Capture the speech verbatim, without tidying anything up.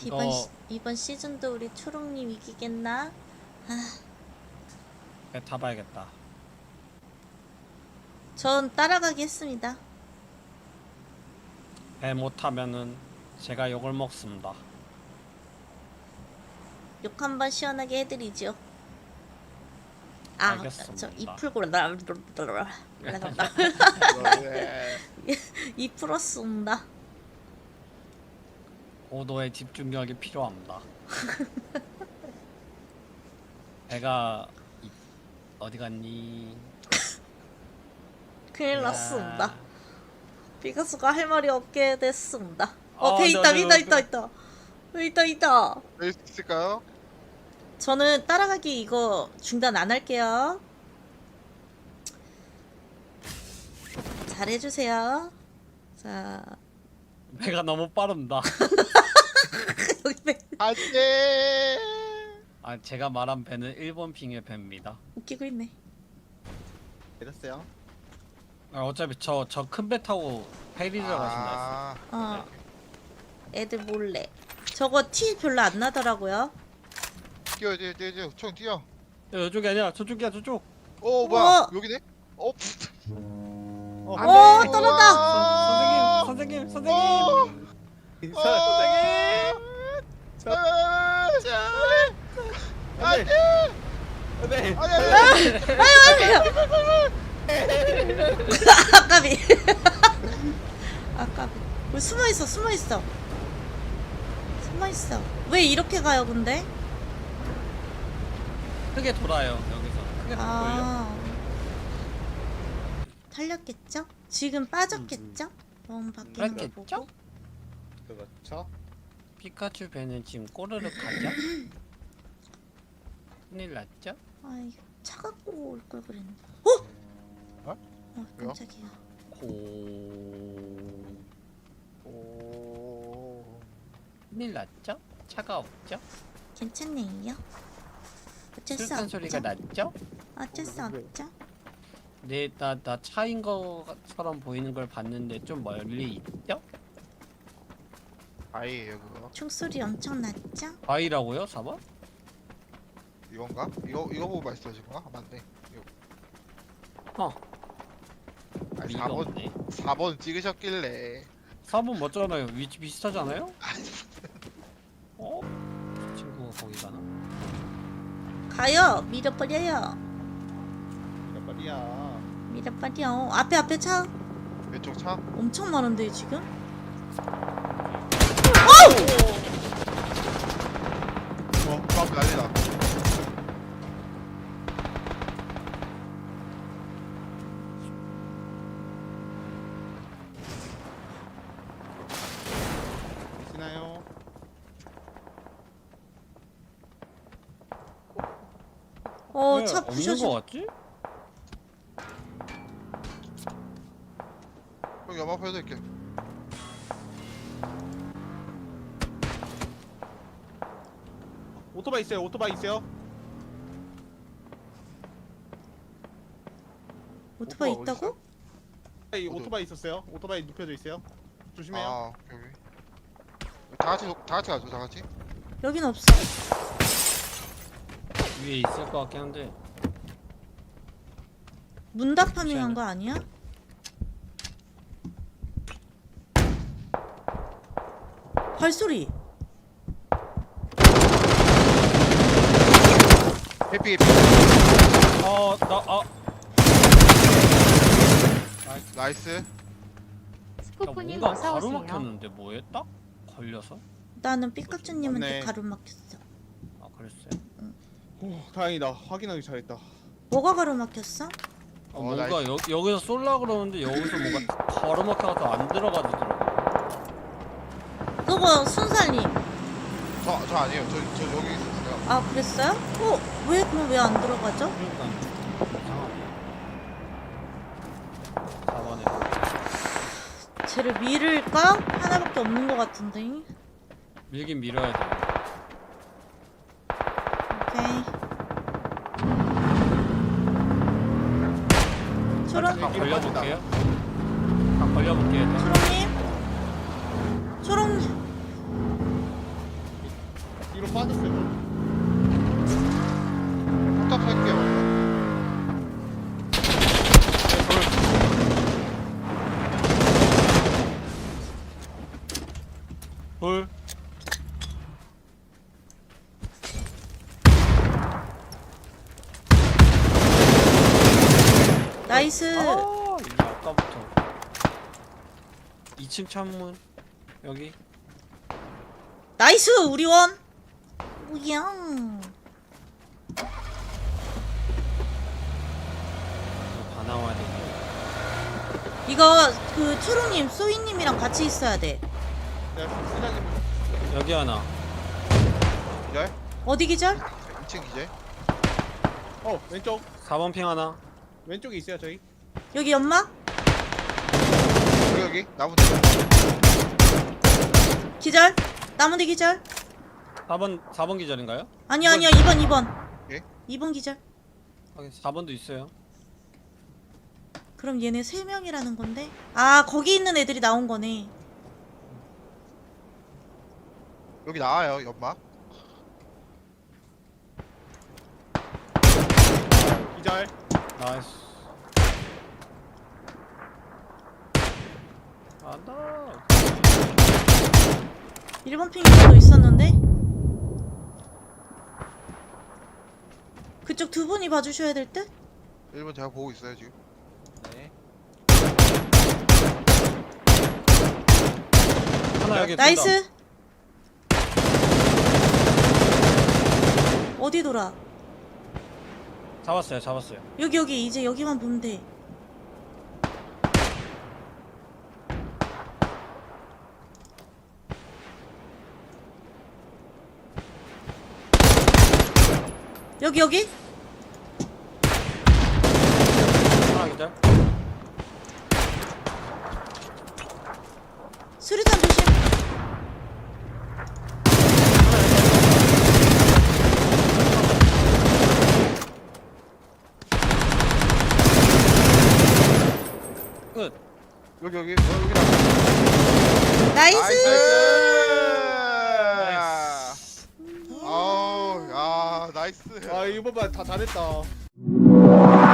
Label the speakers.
Speaker 1: 이번
Speaker 2: 어.
Speaker 1: 시, 이번 시즌도 우리 초롱님 이기겠나? 아,
Speaker 2: 배 타봐야겠다.
Speaker 1: 전 따라가기 했습니다.
Speaker 2: 배 못 타면은 제가 욕을 먹습니다.
Speaker 1: 욕 한번 시원하게 해드리죠. 아,
Speaker 2: 알겠습니다.
Speaker 1: 저 이 풀고 이 풀었습니다.
Speaker 2: 고도의 집중력이 필요합니다. 배가 이, 어디 갔니?
Speaker 1: 큰일
Speaker 2: 야.
Speaker 1: 났습니다. 피카소가 할 말이 없게 됐습니다. 어,
Speaker 2: 어,
Speaker 1: 배
Speaker 2: 저,
Speaker 1: 있다,
Speaker 2: 저,
Speaker 1: 있다,
Speaker 2: 저.
Speaker 1: 있다, 있다. 배 있다, 있다.
Speaker 3: 낼 수 있을까요?
Speaker 1: 저는 따라가기 이거 중단 안 할게요. 잘해주세요. 자,
Speaker 2: 배가 너무 빠릅니다.
Speaker 1: 여기 배
Speaker 3: 안돼.
Speaker 2: 아, 제가 말한 배는 일본 핑의 배입니다.
Speaker 1: 웃기고 있네.
Speaker 3: 내렸어요.
Speaker 2: 아, 어차피 저 저 큰 배 타고 페리 들어가신다 했어.
Speaker 3: 아,
Speaker 1: 어, 애들 몰래. 저거 티 별로 안 나더라고요.
Speaker 3: 뛰어 뛰어 뛰어 뛰어 총 뛰어.
Speaker 2: 야, 이쪽이 아니라 저쪽이야, 저쪽.
Speaker 3: 오 뭐야
Speaker 1: 어.
Speaker 3: 여기네? 어.
Speaker 2: 어,
Speaker 3: 안
Speaker 1: 어,
Speaker 3: 돼.
Speaker 1: 떨어졌다.
Speaker 3: 우와.
Speaker 2: 선생님, 선생님, 선생님.
Speaker 3: 어.
Speaker 2: 선생님.
Speaker 3: 안돼.
Speaker 2: 네.
Speaker 3: 아니 아니.
Speaker 1: 아까비. 아까비. 우리 숨어 있어, 숨어 있어. 숨어 있어. 왜 이렇게 가요, 근데?
Speaker 2: 크게 돌아요, 여기서. 크게 돌려.
Speaker 1: 아, 탈렸겠죠? 지금 빠졌겠죠? 너무 바뀌는 거
Speaker 2: 그랬겠죠?
Speaker 1: 보고.
Speaker 3: 그렇죠.
Speaker 2: 피카츄 배는 지금 꼬르륵 하죠? 큰일 났죠?
Speaker 1: 아이, 차 갖고 올 걸 그랬는데. 어?
Speaker 3: 어?
Speaker 1: 어,
Speaker 3: 왜요?
Speaker 1: 깜짝이야.
Speaker 2: 고...
Speaker 3: 오.
Speaker 2: 큰일 났죠? 차가 없죠?
Speaker 1: 괜찮네요. 어쩔 수
Speaker 2: 술탄
Speaker 1: 없죠.
Speaker 2: 소리가 났죠?
Speaker 1: 어쩔 수 없죠.
Speaker 2: 네, 나, 나 차인 것처럼 보이는 걸 봤는데 좀 멀리 있죠?
Speaker 3: 아이예요 그거.
Speaker 1: 총소리 엄청 났죠?
Speaker 2: 바위라고요? 사 번?
Speaker 3: 이건가? 이거 이거 보고 말씀하신 건가? 아, 맞네. 이거.
Speaker 2: 어,
Speaker 3: 아니
Speaker 2: 리가
Speaker 3: 사 번
Speaker 2: 없네.
Speaker 3: 사 번 찍으셨길래.
Speaker 2: 사 번 맞잖아요. 위치 비슷하잖아요? 어? 저 친구가 거기 가나?
Speaker 1: 가요! 밀어버려요.
Speaker 3: 몇 번이야?
Speaker 1: 밀어버려. 앞에 앞에 차
Speaker 3: 왼쪽 차?
Speaker 1: 엄청 많은데 지금?
Speaker 3: 어, 막 난리다. 계시나요?
Speaker 1: 어,
Speaker 2: 왜
Speaker 1: 차
Speaker 2: 없는 거
Speaker 1: 부셔져.
Speaker 2: 같지?
Speaker 3: 형 연막 펴드릴게.
Speaker 4: 오토바이 있어요. 오토바이 있어요.
Speaker 1: 오토바이
Speaker 3: 오토바이
Speaker 1: 있다고?
Speaker 4: 이
Speaker 3: 어디?
Speaker 4: 오토바이 있었어요. 오토바이 눕혀져 있어요. 조심해요.
Speaker 3: 아, 오케이 오케이. 다 같이 다 같이 가죠, 다 같이.
Speaker 1: 여긴 없어.
Speaker 2: 위에 있을 것 같긴 한데.
Speaker 1: 문답 파밍한 거 아니야? 발소리.
Speaker 3: 해피 해피.
Speaker 2: 어, 나, 아.
Speaker 3: 나이스.
Speaker 2: 나
Speaker 5: 스코프님
Speaker 2: 뭔가
Speaker 5: 어서 오세요.
Speaker 2: 가로막혔는데 뭐에 딱 걸려서?
Speaker 1: 나는 피카츄님한테
Speaker 4: 맞네.
Speaker 1: 가로막혔어.
Speaker 2: 아, 그랬어요?
Speaker 4: 오, 다행이다. 확인하기 잘했다.
Speaker 1: 뭐가 가로막혔어?
Speaker 2: 어,
Speaker 3: 어,
Speaker 2: 뭔가
Speaker 3: 나이스.
Speaker 2: 여, 여기서 쏠라 그러는데 여기서 뭔가 가로막혀가지고 안 들어가지더라고.
Speaker 1: 그거 순살님.
Speaker 3: 저 저 아니에요. 저 저 여기 있었어요.
Speaker 1: 아, 그랬어요? 어, 왜 그럼 왜 안 들어가죠?
Speaker 2: 그러니까 이상하네. 사 번에
Speaker 1: 쟤를 밀을까? 하나밖에 없는 것 같은데.
Speaker 2: 밀긴 밀어야 돼.
Speaker 1: 오케이. 초롱,
Speaker 2: 각 걸려볼게요. 각 걸려볼게요. 일단.
Speaker 1: 초롱님. 초롱,
Speaker 2: 이 층 창문 여기.
Speaker 1: 나이스 우리 원. 뭐야?
Speaker 2: 다 나와야 돼.
Speaker 1: 이거 그 초롱님, 소희님이랑 같이 있어야 돼.
Speaker 4: 내가 수장님
Speaker 2: 여기 하나.
Speaker 3: 기절?
Speaker 1: 어디 기절?
Speaker 3: 이 층 기절?
Speaker 4: 어 왼쪽
Speaker 2: 사 번 핑 하나.
Speaker 4: 왼쪽에 있어요 저희.
Speaker 1: 여기 연막?
Speaker 3: 여기 여기 나무 뒤.
Speaker 1: 기절? 나무대 기절?
Speaker 2: 사 번 사 번 기절인가요?
Speaker 1: 아니야 아니야 이 번 이 번.
Speaker 3: 예?
Speaker 1: 이 번 기절.
Speaker 2: 확인. 사 번도 있어요.
Speaker 1: 그럼 얘네 세 명이라는 건데? 아 거기 있는 애들이 나온 거네.
Speaker 3: 여기 나와요 연막.
Speaker 4: 기절.
Speaker 2: 나이스. 안다.
Speaker 1: 일 번 핑에도 있었는데? 그쪽 두 분이 봐주셔야 될 듯?
Speaker 3: 일 번 제가 보고 있어요 지금.
Speaker 2: 네. 하나 여기.
Speaker 1: 나이스. 어디 돌아?
Speaker 2: 잡았어요. 잡았어요.
Speaker 1: 여기 여기 이제 여기만 보면 돼. 여기 여기?
Speaker 2: 하나 기절.
Speaker 1: 수류탄 조심.
Speaker 2: 끝.
Speaker 3: 여기 여기 어, 여기 나무.
Speaker 1: 나이스.
Speaker 3: 나이스. 아우 야 나이스.
Speaker 4: 아 이번 반 다 잘했다.